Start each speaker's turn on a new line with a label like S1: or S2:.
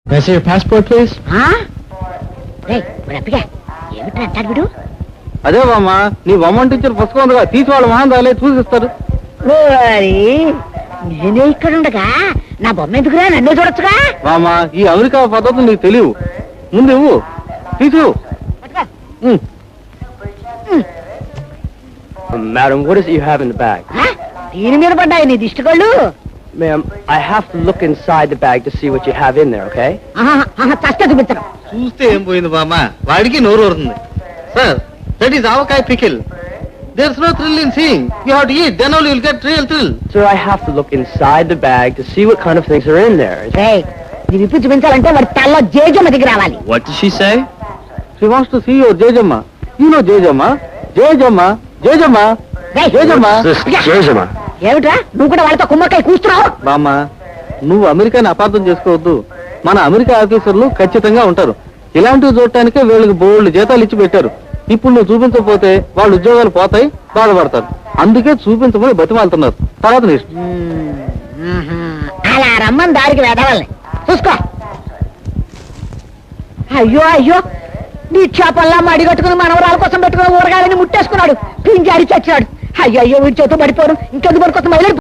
S1: May I see your passport, please?
S2: ఏమిటి అంటాడు వీడు?
S3: అదే బామ్మ, నీ బొమ్మ టీచర్ పుస్తకం ఉందిగా, తీసి వాళ్ళ మహాన్ రాలే చూసిస్తారు.
S2: నేనే ఇక్కడ ఉండగా నా బొమ్మ ఎందుకురా, నన్నే చూడొచ్చుగా.
S3: బామ్మ, ఈ అమెరికా పద్ధతులు నీకు తెలియవు. ముందు ఇవ్వు, తీసు.
S1: Madam, what is it you have in the bag?
S2: దీని మీద పడ్డాయి నీ దిష్టి కళ్ళు.
S1: Ma'am, I have to look inside the bag to see what you have in there, okay?
S2: చస్తే చూపించడం.
S3: చూస్తే ఏం పోయింది బామ్మ, వాడికి నోరు ఊరుతుంది. Sir, that is avakaya pickle. There's no thrill in seeing. You have to eat, then only you'll get real thrill.
S1: Sir, I have to look inside the bag to see what kind of things are in there.
S2: ఇది విప్పి చూపించాలంటే వాడి తల్లో జేజమ్మ దిగి రావాలి.
S1: What did she say?
S3: She wants to see your Jejamma. You know Jejamma? Jejamma, Jejamma, Jejamma.
S1: Jejama.
S2: ఏమిట్రా నువ్వు కూడా వాళ్ళతో కుమ్మకాయ కూస్తున్నావు?
S3: బామ్మ, నువ్వు అమెరికాని అపార్థం చేసుకోవద్దు. మన అమెరికా ఆఫీసర్లు ఖచ్చితంగా ఉంటారు. ఇలాంటివి చూడటానికే వీళ్ళకి బోల్డ్ జీతాలు ఇచ్చి పెట్టారు. ఇప్పుడు నువ్వు చూపించకపోతే వాళ్ళ ఉద్యోగాలు పోతాయి, బాధపడతారు. అందుకే చూపించమని బతిమాలుతున్నారు. తర్వాత నీ ఇష్టం.
S2: అలా రమ్మని దారికి వెదవాలని చూసుకో. అయ్యో అయ్యో, నీ చేపల్లా మడిగట్టుకుని మనవరాల కోసం పెట్టుకుని ఊరగాలని ముట్టేసుకున్నాడు. పింజారి చచ్చాడు. అయ్యో అయ్యో, వీడి చేతో పడిపోను. ఇంకెందుకు పడుకోసం